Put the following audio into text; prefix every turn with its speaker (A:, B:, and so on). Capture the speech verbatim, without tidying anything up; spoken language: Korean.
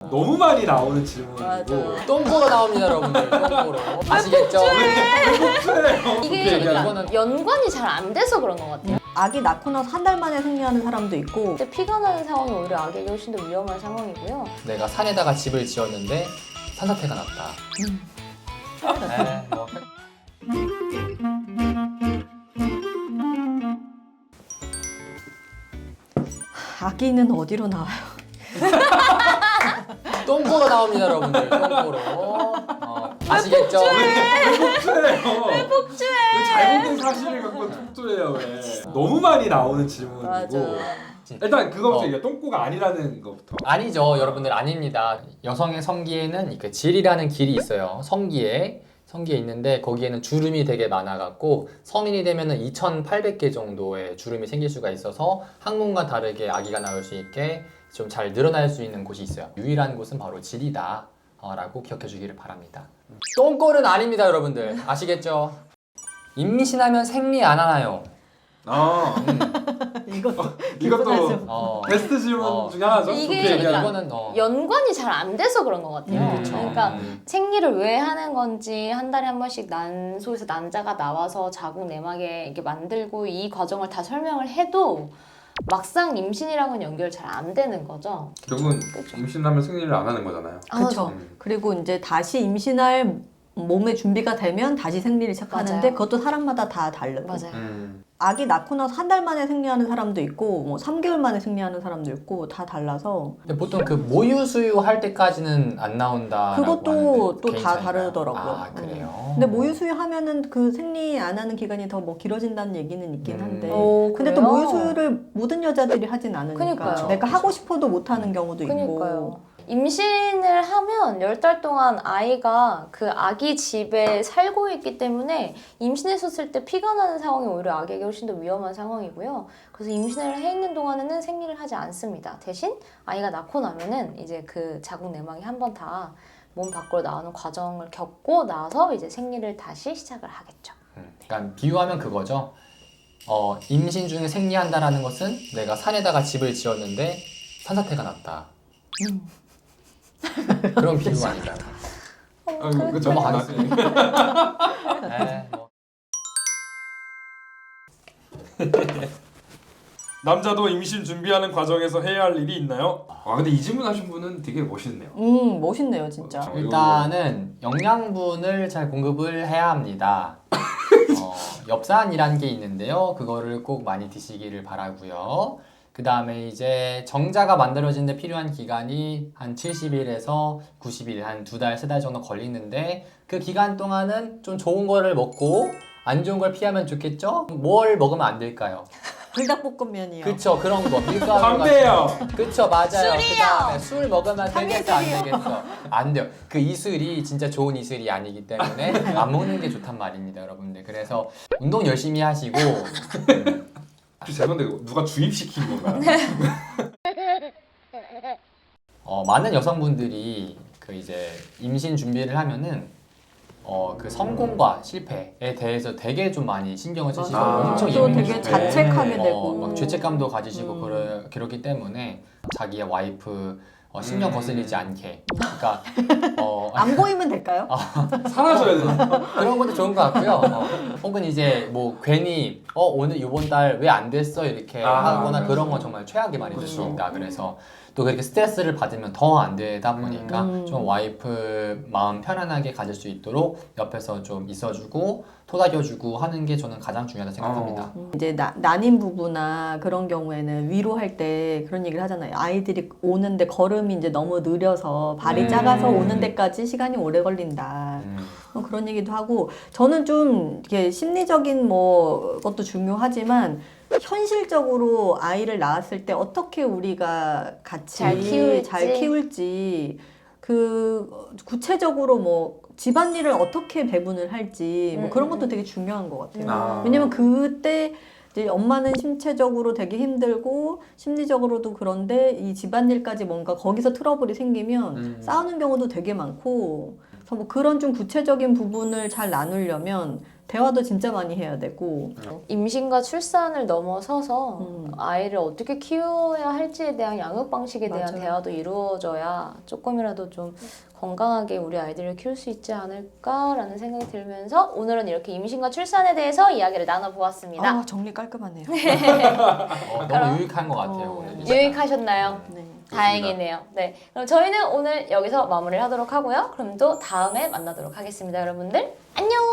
A: 너무 많이 나오는 질문이고
B: 맞아.
C: 똥꼬로 나옵니다, 여러분들. 똥꼬로. 아시겠죠?
A: 복수해요.
B: 이게
C: 오케이,
B: 그러니까
C: 이거는-
B: 연관이 잘 안 돼서 그런 것 같아요.
D: 아기 낳고 나서 한 달 만에 생리하는 사람도 있고
B: 근데 피가 나는 상황이 오히려 아기에게 훨씬 더 위험한 상황이고요.
C: 내가 산에다가 집을 지었는데 산사태가 났다. 네, 뭐.
D: 아기는 어디로 나와요?
C: 똥꼬로 나옵니다, 여러분들. 똥꼬로. 어, 아시겠죠?
A: 복수해요. 왜 복수해? 왜 잘못된 사실을 갖고 복수해요 왜? 너무 많이 나오는 질문이고
B: 맞아.
A: 일단 그거부터
C: 어.
A: 얘기해. 똥꼬가 아니라는 것부터.
C: 아니죠, 여러분들. 아닙니다. 여성의 성기에는 그 질이라는 길이 있어요. 성기에. 성기에 있는데 거기에는 주름이 되게 많아갖고 성인이 되면은 이천팔백 개 정도의 주름이 생길 수가 있어서 항문과 다르게 아기가 나올 수 있게 좀 잘 늘어날 수 있는 곳이 있어요. 유일한 곳은 바로 질이다 어, 라고 기억해 주기를 바랍니다. 똥꼴은 아닙니다, 여러분들. 아시겠죠? 임신하면 생리 안 하나요?
A: 아
D: 이것도
A: 이것도
C: 어,
A: 베스트 질문
C: 어.
A: 중에 하나죠.
B: 이게
A: 좋게
B: 그러니까
A: 얘기하는.
C: 이거는 어,
B: 연관이 잘 안 돼서 그런 것 같아요.
C: 음, 그쵸.
B: 그러니까
C: 음.
B: 생리를 왜 하는 건지 한 달에 한 번씩 난소에서 난자가 나와서 자궁 내막에 이렇게 만들고 이 과정을 다 설명을 해도 막상 임신이랑은 연결 잘 안 되는 거죠.
A: 결국은
B: 그쵸.
A: 임신하면 생리를 안 하는 거잖아요.
D: 그렇죠.
A: 음.
D: 그리고 이제 다시 임신할 몸의 준비가 되면 다시 생리를 시작하는데
B: 맞아요.
D: 그것도 사람마다 다 다르고
B: 맞아요.
A: 음.
D: 아기 낳고 나서 한 달 만에 생리하는 사람도 있고 뭐 삼 개월 만에 생리하는 사람도 있고 다 달라서
C: 근데 보통 그 모유 수유 할 때까지는 안 나온다.
D: 그것도 또 다 다르더라고요.
C: 아, 그래요?
D: 근데 모유 수유하면은 그 생리 안 하는 기간이 더 뭐 길어진다는 얘기는 있긴
C: 음.
D: 한데
B: 오,
D: 근데 또
B: 그래요?
D: 모유 수유를 모든 여자들이 하진 않으니까
B: 그러니까요.
D: 내가 하고 싶어도 못 하는 경우도
B: 그러니까요.
D: 있고
B: 임신을 하면 열 달 동안 아이가 그 아기 집에 살고 있기 때문에 임신했었을 때 피가 나는 상황이 오히려 아기에게 훨씬 더 위험한 상황이고요. 그래서 임신을 해 있는 동안에는 생리를 하지 않습니다. 대신 아이가 낳고 나면은 이제 그 자궁 내막이 한 번 다 몸 밖으로 나오는 과정을 겪고 나서 이제 생리를 다시 시작을 하겠죠.
C: 음, 그러니까 비유하면 그거죠. 어, 임신 중에 생리한다라는 것은 내가 산에다가 집을 지었는데 산사태가 났다.
D: 음.
C: 그런 비유 아닌가요?
A: 아, 그쵸.
C: 넘어가겠습니다. 네, 뭐.
A: 남자도 임신 준비하는 과정에서 해야 할 일이 있나요? 아 근데 이 질문 하신 분은 되게 멋있네요.
D: 음 멋있네요 진짜.
A: 어,
C: 일단은 영양분을 잘 공급을 해야 합니다. 어, 엽산이라는 게 있는데요. 그거를 꼭 많이 드시기를 바라고요. 그 다음에 이제 정자가 만들어지는데 필요한 기간이 한 칠십 일에서 구십 일, 한 두 달, 세 달 정도 걸리는데 그 기간 동안은 좀 좋은 거를 먹고 안 좋은 걸 피하면 좋겠죠? 뭘 먹으면 안 될까요?
D: 불닭볶음면이요.
C: 그쵸, 그런 거. 밀가루
A: 담배요.
C: 그쵸, 맞아요.
B: 술이요.
C: 그다음에 술 먹으면 되겠어, 안
D: 당연히요.
C: 되겠어. 안 돼요. 그 이슬이 진짜 좋은 이슬이 아니기 때문에 안 먹는 게 좋단 말입니다, 여러분들. 그래서 운동 열심히 하시고 음,
A: 혹시 죄송한데 누가 주입시킨 건가요?
C: 어, 많은 여성분들이 그 이제 임신 준비를 하면은 어, 그 성공과 실패에 대해서 되게 좀 많이 신경을 쓰시고
A: 아,
C: 엄청
D: 또
C: 예민해지고
D: 되게 자책하게
C: 어,
D: 되고
C: 막 죄책감도 가지시고
D: 음.
C: 그러, 그렇기 때문에 자기의 와이프 어, 신경
A: 음.
C: 거슬리지 않게 그러니까 어,
D: 안 보이면 될까요?
A: 사라져야 되나?
C: 그런 것도 좋은 것 같고요. 어, 혹은 이제 뭐 괜히 어 오늘 이번 달 왜 안 됐어 이렇게
A: 아,
C: 하거나 그런 건 정말 최악의 말이 될 수
A: 그렇죠.
C: 있다. 그래서 또 그렇게 스트레스를 받으면 더 안 되다 보니까
D: 음.
C: 좀 와이프 마음 편안하게 가질 수 있도록 옆에서 좀 있어주고 토닥여주고 하는 게 저는 가장 중요하다 생각합니다.
D: 음, 이제 나, 난임 부부나 그런 경우에는 위로할 때 그런 얘기를 하잖아요. 아이들이 오는데 걸음이 이제 너무 느려서 발이
C: 음.
D: 작아서 오는 데까지 시간이 오래 걸린다.
C: 음.
D: 어, 그런 얘기도 하고 저는 좀 이렇게 심리적인 뭐 것도 중요하지만 현실적으로 아이를 낳았을 때 어떻게 우리가 같이
B: 잘 키울지.
D: 잘 키울지 그 구체적으로 뭐 집안일을 어떻게 배분을 할지 뭐
B: 음,
D: 그런
B: 음,
D: 것도
B: 음.
D: 되게 중요한 것 같아요.
A: 아.
D: 왜냐면 그때 이제 엄마는 신체적으로 되게 힘들고 심리적으로도 그런데 이 집안일까지 뭔가 거기서 트러블이 생기면
A: 음.
D: 싸우는 경우도 되게 많고 그래서 뭐 그런 좀 구체적인 부분을 잘 나누려면 대화도 진짜 많이 해야 되고
B: 임신과 출산을 넘어서서
D: 음.
B: 아이를 어떻게 키워야 할지에 대한 양육 방식에 대한
D: 맞아요.
B: 대화도 이루어져야 조금이라도 좀 건강하게 우리 아이들을 키울 수 있지 않을까라는 생각이 들면서 오늘은 이렇게 임신과 출산에 대해서 이야기를 나눠보았습니다.
D: 아, 정리 깔끔하네요.
C: 어,
B: 그럼-
C: 너무 유익한 것 같아요.
D: 어.
C: 오늘 이 시간.
B: 유익하셨나요?
D: 네.
B: 다행이네요. 네, 그럼 저희는 오늘 여기서 마무리를 하도록 하고요. 그럼 또 다음에 만나도록 하겠습니다, 여러분들. 안녕!